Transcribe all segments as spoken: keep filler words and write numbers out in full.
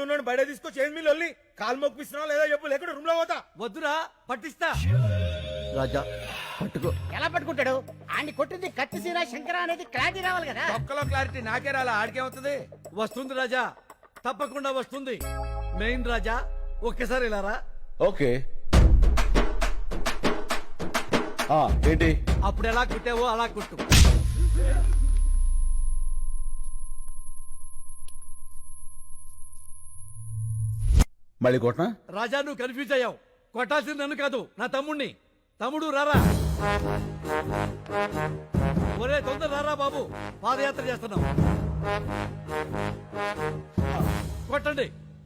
లో ఉన్నాడు బయట తీసుకొచ్చి ఏం మీరు వెళ్ళి కాలు మొక్కిస్తున్నావు లేదా చెప్పు లేకుండా రూమ్ లో పోతా. వద్దురా పట్టిస్తా. రాజా పట్టుకో. ఎలా పట్టుకుంటాడు? ఆడిని కొట్టింది కత్తిసీర శంకర అనేది క్లారిటీ రావాలి కదా. ఒక్కలో క్లారిటీ నాకే రాలా, ఆడికేమవుతుంది? వస్తుంది రాజా, తప్పకుండా వస్తుంది. మెయిన్ రాజా ఒక్కసారి ఇలా రా. ఓకే ఆ, ఏంటి? అప్పుడు ఎలా కుట్టావో అలా కుట్టు. మళ్ళీ కొట్టనా? రాజా నువ్వు కన్ఫ్యూజ్ అయ్యావు. కొట్టాల్సింది నన్ను కాదు, నా తమ్ముణ్ణి. తమ్ముడు రారా. ఒరే తొందర రారా బాబు, పాదయాత్ర చేస్తున్నాం. కొట్టండి.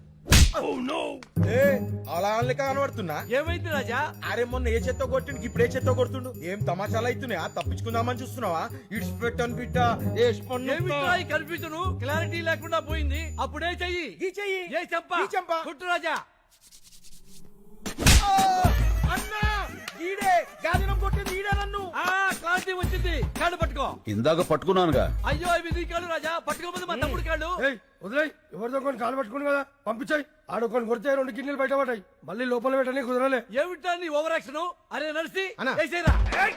ఏ అలా అనలేక కనబడుతున్నా. ఏమైంది రాజా? అరే మొన్న ఏ చెత్త కొట్టిండు ఇప్పుడు ఏ చెత్త కొడుతుండు. ఏం తమాషాలు అవుతున్నాయా? తప్పించుకుందామని చూస్తున్నావా? ఇడిచిపెట్టాను బిడ్డ. ఏమిట్రా ఈ కన్ఫ్యూజన్? క్లారిటీ లేకుండా పోయింది. అప్పుడే చెయ్యి. ఈ చెయ్యి. ఏ చెంప. ఈ చెంప. కుట్టు రాజా. అన్నా ఈడే గాదినం కొట్టింది ఈడే నన్ను. ఆ క్లారిటీ వచ్చింది. కాళ్ళు పట్టుకో. ఇందాక పట్టుకున్నానుగా. అయ్యో అవి నీ కాళ్ళు రాజా, పట్టుకోకపోతే మా తమ్ముడు కాళ్ళు. వదిలేయ్, ఎవరితో కొన్ని కాలు పట్టుకుని కదా పంపించాయి. ఆడొకొని కొడితే రెండు కిడ్నీలు బయట పడ్డాయి. మళ్ళీ లోపల పెట్టని కుదరలే. ఏమిటా నీ ఓవర్ యాక్షన్? అరే నడిచి అన్నా. వేసేరా.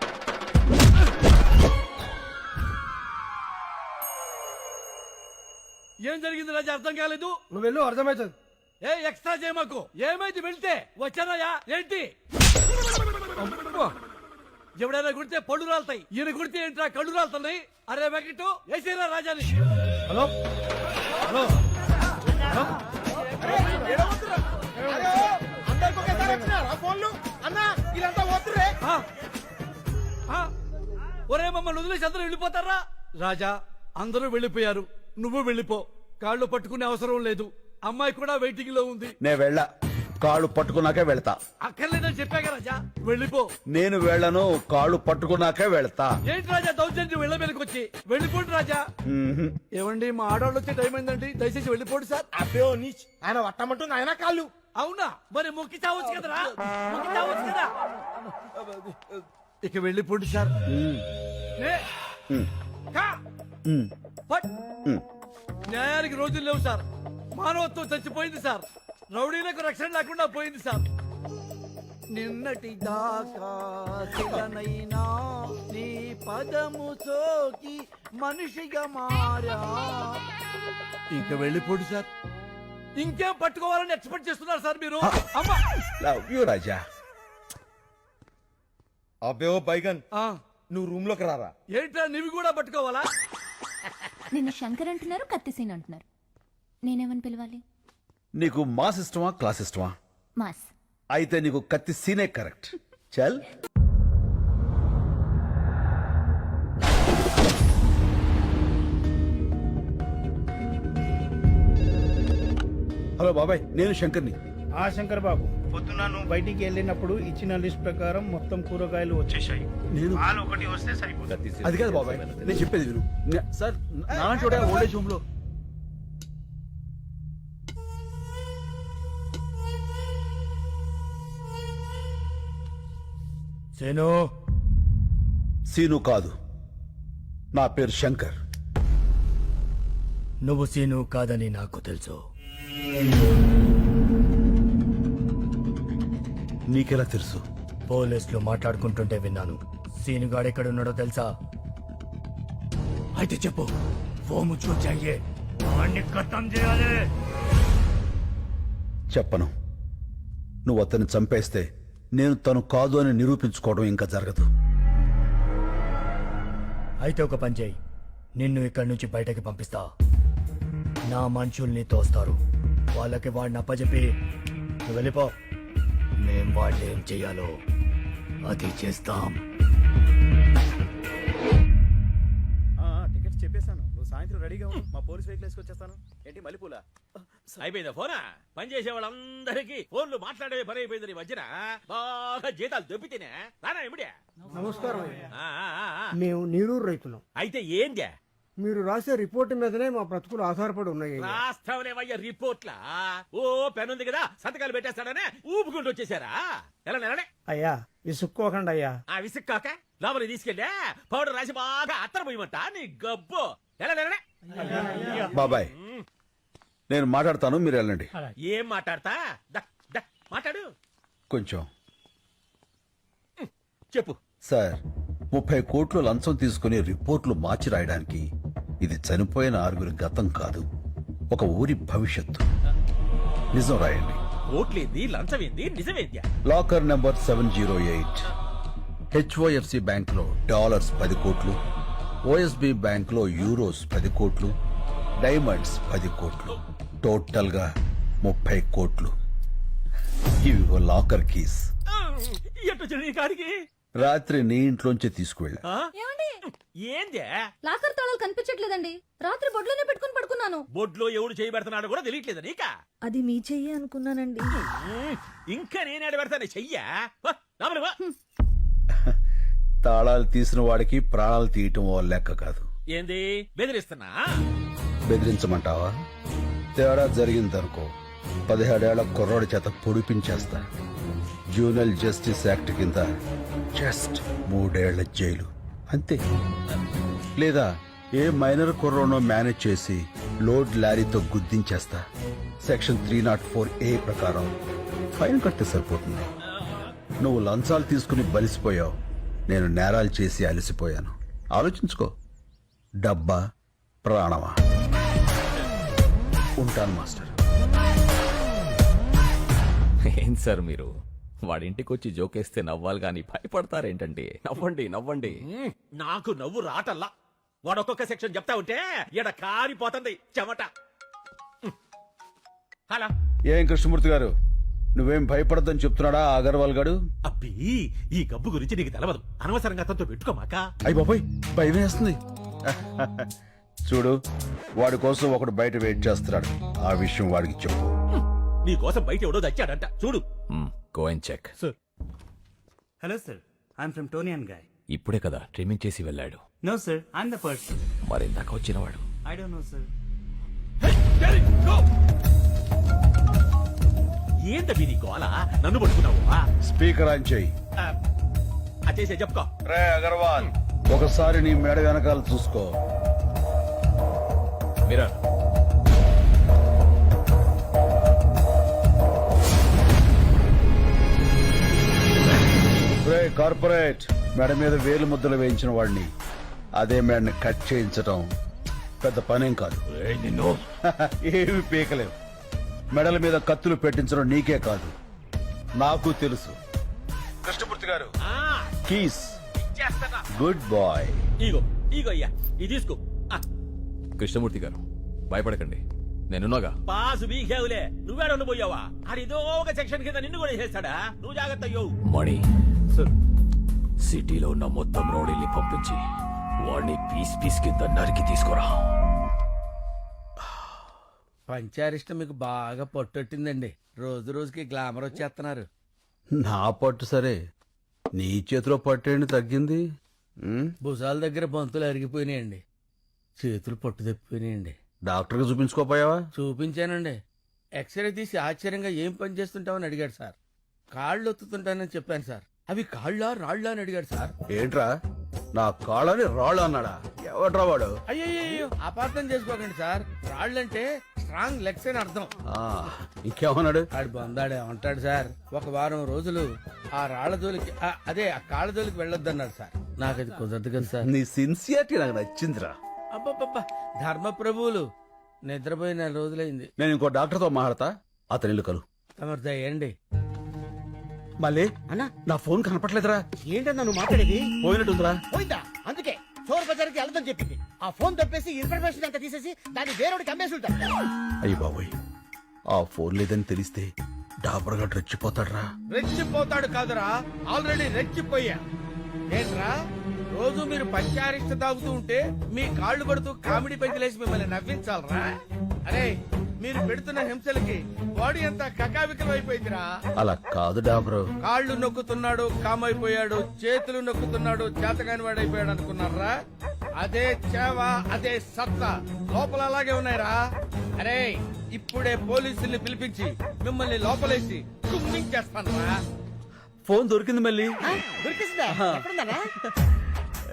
ఏం జరిగింది రాజా? అర్థం కాలేదు. నువ్వు వెళ్ళు, అర్థమవుతుంది. ఏ ఎక్స్ట్రా చేయమాకు. ఏమైంది వెళ్తే? వచ్చానయ్యా. ఏంటి ఎవడైనా కుడితే పళ్ళు రాలుతాయి, ఈయన కుడితే ఏంట్రా కళ్ళు రాలుతున్నాయి? అరే వెంకటు వేసేరా రాజాని. హలో హలో అందరికి ఒకేసారి వచ్చినారా ఫోన్లు? అన్నా వీళ్ళంతా పోతుర్రే. ఆ, ఆ, ఒరే మమ్మల్ని వదిలేసి అందరూ వెళ్ళిపోతారా? రాజా అందరూ వెళ్ళిపోయారు, నువ్వు వెళ్ళిపో. కాళ్ళు పట్టుకునే అవసరం లేదు. అమ్మాయి కూడా వెయిటింగ్ లో ఉంది. నే వెళ్ళా, కాళ్ళు పట్టుకున్నాకే వెళ్తా. అక్కర్లేదని చెప్పాక రాజా, వెళ్ళిపో. నేను వెళ్ళను, కాళ్ళు పట్టుకున్నాకే వెళ్తా. ఏంటి రాజా దౌర్జన్యం? వెళ్ళ మీదకి వచ్చి వెళ్ళిపోండి రాజా. మ్మ్హ్. ఏమండి మా ఆడవాళ్ళు వచ్చే టైం అయిందండి, దయచేసి వెళ్ళిపోండి సార్. అబ్బే ఓ నీచ్, ఆయన పట్టమంటుంది ఆయన కాళ్ళు. అవునా? మరి మొక్కి చావచ్చు కదరా, మొక్కి చావచ్చు కదా. ఇక వెళ్ళిపోండి సార్. నే, మ్. కా, మ్. పట్. మ్. న్యాయానికి రోజులు లేవు సార్. మానవత్వం చచ్చిపోయింది సార్. రౌడీలకు రక్షణ లేకుండా పోయింది సార్. నిన్నటి దాకా శిలనైనా నీ పదము సోకి మనిషిగా మారా. ఇంకా వెళ్ళిపోండి సార్. ఇంకేం పట్టుకోవాలని ఎక్స్పెక్ట్ చేస్తున్నారు సార్ మీరు? అమ్మా లవ్ యూ రాజా. అబ్బే ఓ బైగన్, ఆ, నువ్వు రూమ్ లోకి రారా. ఏంట్రా నీవి కూడా పట్టుకోవాలా? నిన్ను శంకర్ అంటున్నారు, కత్తిసీన్ అంటున్నారు. నేనేమని పిలవాలి? నీకు మాస్ ఇష్టమా క్లాస్ ఇష్టమా? మాస్. అయితే నీకు కత్తి సీనే కరెక్ట్. చల్. హలో బాబాయ్, నేను శంకర్ని. ఆ శంకర్ బాబు, పొద్దున నువ్వు బయటికి వెళ్ళినప్పుడు ఇచ్చిన లిస్ట్ ప్రకారం మొత్తం కూరగాయలు వచ్చేసాయి. నేను పాలు ఒకటి వస్తే సరిపోతుంది. అది కాదు బాబాయ్, నేను చెప్పేది విను. నే- సార్ నాన్న చూడ ఓల్డేజ్ హోమ్ లో. సేను సీను కాదు, నా పేరు శంకర్. నువ్వు సీను కాదని నాకు తెలుసు. నీకెలా తెలుసు? పోలీసులు మాట్లాడుకుంటుంటే విన్నాను. సీను గాడు ఎక్కడ ఉన్నాడో తెలుసా? అయితే చెప్పు. ఫోన్ చూచాయే, వాణ్ణి ఖతం చేయాలి. చెప్పను. నువ్వు అతన్ని చంపేస్తే నేను తను కాదు అని నిరూపించుకోవడం ఇంకా జరగదు. అయితే ఒక పని చేయి, నిన్ను ఇక్కడి నుంచి బయటకి పంపిస్తా. నా మనుషుల్ని తోస్తారు. వాళ్ళకి వాడిని అప్పచెప్పి నువ్వు వెళ్ళిపో. మేం వాళ్ళు ఏం చెయ్యాలో అది చేస్తాం. టికెట్స్ చెప్పేశాను. నువ్వు సాయంత్రం రెడీగా ఉండు. మా పోలీస్ వెహికల్ వేసుకొచ్చేస్తాను. ఏంటి మల్లెపూల అయిపోయిందా ఫోనా? పని చేసే వాళ్ళందరికీ ఫోన్లు మాట్లాడే పని అయిపోయింది. మధ్యన బాగా జీతాలు దొబ్బితేనే రానా ఇమిడే. నమస్కారం. ఆ, ఆ, ఆ, ఆ. మేము నీరూరు రైతులం. అయితే ఏందే? మీరు రాసే రిపోర్ట్ మీదనే మా బ్రతుకులు ఆధారపడి ఉన్నాయి. రాస్తావులేవయ్యా రిపోర్ట్లా? ఓ పెన్ ఉంది కదా, సంతకాలు పెట్టేస్తాడనే ఊపుకుంటూ వచ్చేసారా? ఎలా నెలనే అయ్యా విసుక్కోకండి అయ్యా. ఆ విసుక్కాక లోపలికి తీసుకెళ్ళా పౌడర్ రాసి బాగా అత్తర పోయమంట నీ గబ్బు. ఎలా నెలనే బాబాయ్, నేను మాట్లాడతాను, మీరు వెళ్ళండి. ఏం మాట్లాడతా దా, దా, మాట్లాడు కొంచెం చెప్పు. సార్, ముప్పై కోట్లు లంచం తీసుకుని రిపోర్ట్లు మార్చి రాయడానికి ఇది చనిపోయిన ఆరుగురి గతం కాదు, ఒక ఊరి భవిష్యత్తు. నిజం రాయండి. ఓట్లేంది లంచమేంది నిజమేంద్యా? Locker number seven zero eight HDFC bank లో డాలర్స్ పది కోట్లు, ఓఎస్బి బ్యాంక్ లో యూరోస్ పది కోట్లు, డైమండ్స్ పది కోట్లు, టోటల్ గా ముప్పై కోట్లు. ఇవి ఓ లాకర్ కీస్. ఎట్టొచ్చు నీ కాడికి? రాత్రి నీ ఇంట్లోంచి తీసుకువెళ్ళా. ఆ? ఏమండి ఏందే లాకర్ తాళాలు కనిపించట్లేదండి. రాత్రి బొడ్లోనే పెట్టుకుని పడుకున్నాను. బొడ్లో ఎవడు చేయి పెడుతున్నాడు కూడా తెలియట్లేదు నీకా? అది మీ చెయ్యి అనుకున్నానండి. ఉమ్, ఇంకా నేనేడు పెడతాను చెయ్యా. వా, లోపలికి వా. తాళాలు తీసిన వాడికి ప్రాణాలు తీయటం ఓ లెక్క కాదు. ఏంది బెదిరిస్తున్నా? బెదిరించమంటావా? తేడా జరిగిందనుకో, పదిహేడేళ్ల కుర్రోడి చేత పొడిపించేస్తా. జూనల్ జస్టిస్ యాక్ట్ కింద జస్ట్ మూడేళ్ల జైలు అంతే. లేదా ఏ మైనర్ కుర్రోనో మేనేజ్ చేసి లోడ్ లారీతో గుద్దించేస్తా. Section three not four A ప్రకారం ఫైన్ కడితే సరిపోతుంది. నువ్వు లంచాలు తీసుకుని బలిసిపోయావు, నేను నేరాలు చేసి అలసిపోయాను. ఆలోచించుకో, డబ్బా ప్రాణమా? ఉంటాను మాస్టర్. ఏం సార్ మీరు వాడింటికి వచ్చి జోకేస్తే నవ్వాలి గాని భయపడతారేంటండి? నవ్వండి నవ్వండి. ఉమ్, నాకు నవ్వు రాటల్లా. వాడు ఒక్కొక్క సెక్షన్ చెప్తా ఉంటే ఈడ కారిపోతుంది చెమట. ఉమ్. హలో ఏం కృష్ణమూర్తి గారు, నువ్వేం భయపడద్దని చెప్తున్నాడా ఆ అగర్వాల్ గాడు? అబ్బి, ఈ గబ్బు గురించి నీకు తెలవదు. అనవసరంగా అతనితో పెట్టుకోమాక. అయ్యి బాబాయ్, భయం వేస్తుంది. చూడు, వాడి కోసం ఒకడు బయట వెయిట్ చేస్తున్నాడు. ఆ విషయం వాడికి చెప్పు. నీ కోసం బయట ఎవడో తెచ్చాడంట చూడు. Go and check. Hello sir, I'm from Toni and Guy. ఇప్పుడే కదా ట్రిమ్మింగ్ చేసి వెళ్ళాడు. No sir, I'm the person. మరి ఇందాక వచ్చినవాడు ఐ డోంట్ నో సార్. ఏంటవి నీ గోల? నన్ను పట్టుకున్నావు? స్పీకర్ ఆన్ చేయి. అచేసే చెప్పుకో. రే అగర్వాల్, ఒకసారి నీ మేడ వెనకాల చూసుకో. మీరా రే కార్పొరేట్, మేడ మీద వేలు ముద్దలు వేయించిన వాడిని అదే మేడని కట్ చేయించటం పెద్ద పనేం కాదు. నిన్ను ఏమి పీకలేవు. మెడల మీద కత్తులు పెట్టించడం నీకే కాదు, నాకు తెలుసు. కృష్ణమూర్తి గారు, ఆ, కీస్. చేస్తానా? Good bye. ఇగో ఇగో అయ్యా, ఇది తీసుకో. ఆ, కృష్ణమూర్తి గారు భయపడకండి, నేనున్నాగా. పాసు బీకేవులే, నువ్వేడ పోయావా? అడిదో ఒక సెక్షన్ కింద నిన్ను కూడా చేస్తాడా? నువ్వు జాగ్రత్త అయ్యో. మణి సిటీలో ఉన్న మొత్తం రౌడీల్ని పంపించి వాడిని పీస్ పీస్ కింద నరికి తీసుకురా. పంచారిష్టం మీకు బాగా పట్టొట్టిందండి. రోజు రోజుకి గ్లామర్ వచ్చేస్తున్నారు. నా పట్టు సరే, నీ చేతిలో పట్టేండి తగ్గింది. ఉమ్, భుజాల దగ్గర బంతులు అరిగిపోయినాయండి, చేతులు పట్టు తప్పిపోయినాయండి. డాక్టర్కి చూపించుకోపోయావా? చూపించానండి. ఎక్స్రే తీసి ఆశ్చర్యంగా ఏం పని చేస్తుంటావని అడిగాడు సార్. కాళ్ళు ఒత్తుతుంటానని చెప్పాను సార్. అవి కాళ్ళ రాళ్ళ అని అడిగాడు సార్. ఏంట్రా, నా కాళ్ళని రాళ్ళు అన్నాడా? ఎవడ్రా వాడు? అయ్యో అపార్థం చేసుకోకండి సార్. రాళ్ళంటే స్ట్రాంగ్ లెగ్స్ అని అర్థం. ఆ, ఇంకేమన్నాడు? ఆడు బందాడే ఉంటాడు సార్. ఒక వారం రోజులు ఆ రాళ్ల జోలికి ఆ, అదే ఆ కాళ్ళ జోలికి వెళ్ళొద్దన్నాడు సార్. నాకు అది కుదరదు కదా సార్. నీ సిన్సియారిటీ నాకు నచ్చిందిరా. అబ్బబ్బబ్బా, ధర్మ ప్రభువులు నిద్రపోయి నెల రోజులైంది. నేను ఇంకో డాక్టర్తో మాట్లాడతా, అతని ఇల్లు కలు. తమరు దయండి. మళ్ళీ అన్నా నా ఫోన్ కనపట్లేదురా. ఏంటన్నా నువ్వు మాట్లాడేది? పోయినట్టుందిరా. పోయిందా? అందుకే చోర్ బజార్కి వెళ్దాం చెప్పింది. ఆ ఫోన్ తప్పేసి ఇన్ఫర్మేషన్ అంతా తీసేసి దాన్ని వేరేవాడికి అమ్మేసి ఉంటారు. అయ్యి బాబోయ్, ఆ ఫోన్ లేదని తెలిస్తే డాబర్గా రెచ్చిపోతాడ్రా. రెచ్చిపోతాడు కాదురా, ఆల్రెడీ రెచ్చిపోయా. ఏంట్రా, రోజు మీరు పంచారిష్ట తాగుతూ ఉంటే మీ కాళ్ళు పడుతూ కామెడీ పెంచలేసి మిమ్మల్ని నవ్వించాలరా? అరే, మీరు పెడుతున్న హింసలకి బాడీ అంతా కకావికలం అయిపోయిందిరా. అలా కాదు డాబరు. కాళ్ళు నొక్కుతున్నాడు కామైపోయాడు, చేతులు నొక్కుతున్నాడు చేతకాని వాడైపోయాడు అనుకున్నారా? అదే చేవ, అదే సత్తా లోపల అలాగే ఉన్నాయిరా. అరే, ఇప్పుడే పోలీసుల్ని పిలిపించి మిమ్మల్ని లోపలేసి కుమ్మించేస్తాను రా. ఫోన్ దొరికింది మళ్ళీ. దొరికిస్తుందా? ఎక్కడుందన్నా?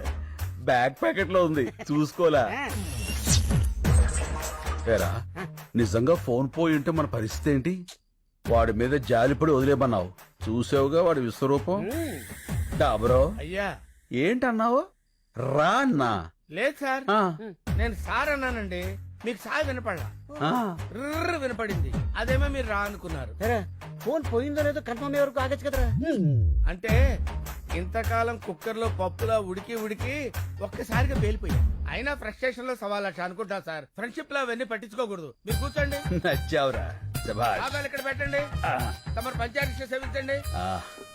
బ్యాక్ ప్యాకెట్ లో ఉంది, చూసుకోలే. ఏరా, నిజంగా ఫోన్ పోయి ఉంటే మన పరిస్థితి ఏంటి? వాడి మీద జాలిపడి వదిలేమన్నావు, చూసావుగా వాడి విశ్వరూపం. డాబరో అయ్యా ఏంటన్నావు? రా అన్నా. లేదు సార్, ఆ, నేను సార్ అన్నానండి, మీకు సార్ వినపడలా, ఆ. ర్ర్ వినపడింది. అదేమో మీరు రా అనుకున్నారు. సరే ఫోన్ పోయిందో లేదో కన్ఫర్మ్ అయ్యే వరకు ఆగచ్చు కదరా. అంటే ఇంతకాలం కుక్కర్ లో పప్పులా ఉడికి ఉడికి ఒక్కసారిగా పేలిపోయా. అయినా ఫ్రస్ట్రేషన్ లో సవా లక్ష అనుకుంటా సార్. ఫ్రెండ్షిప్ లో అవన్నీ పట్టించుకోకూడదు. మీరు కూర్చోండి, నచ్చావురా, శభాష్. ఆగాలి ఇక్కడ పెట్టండి, ఆ, తమరు పంచాయతీ సేవించండి. ఆ.